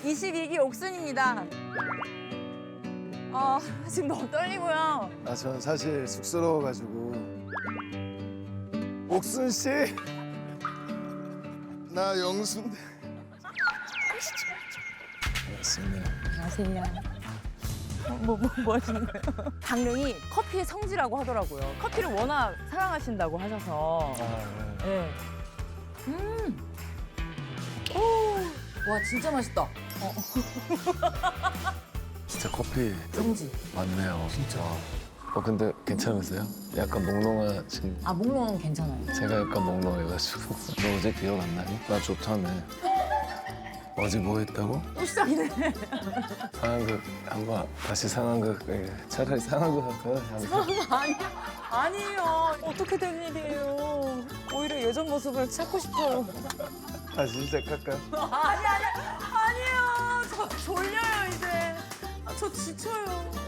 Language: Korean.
22기 옥순입니다. 지금 너무 떨리고요. 전 사실 쑥스러워가지고. 옥순 씨, 나 영순. 반갑습니다. 안녕하세요. 뭐 하시는 거예요? 강릉이 커피의 성지라고 하더라고요. 커피를 워낙 사랑하신다고 하셔서. 네. 와, 진짜 맛있다. 진짜 커피 성지. 많네요. 진짜. 근데 괜찮으세요? 약간 몽롱하신. 몽롱은 괜찮아요. 제가 약간 몽롱해가지고. 너 어제 기억 안 나니? 나 좋다네. 어제 뭐 했다고? 또 시작이네. 상황극 한번 다시 상황극. 차라리 상황극 할까요? 아니에요. 어떻게 된 일이에요. 오히려 예전 모습을 찾고 싶어요. 다시 시작할까요? 아니에요. 저 졸려요, 이제. 저 지쳐요.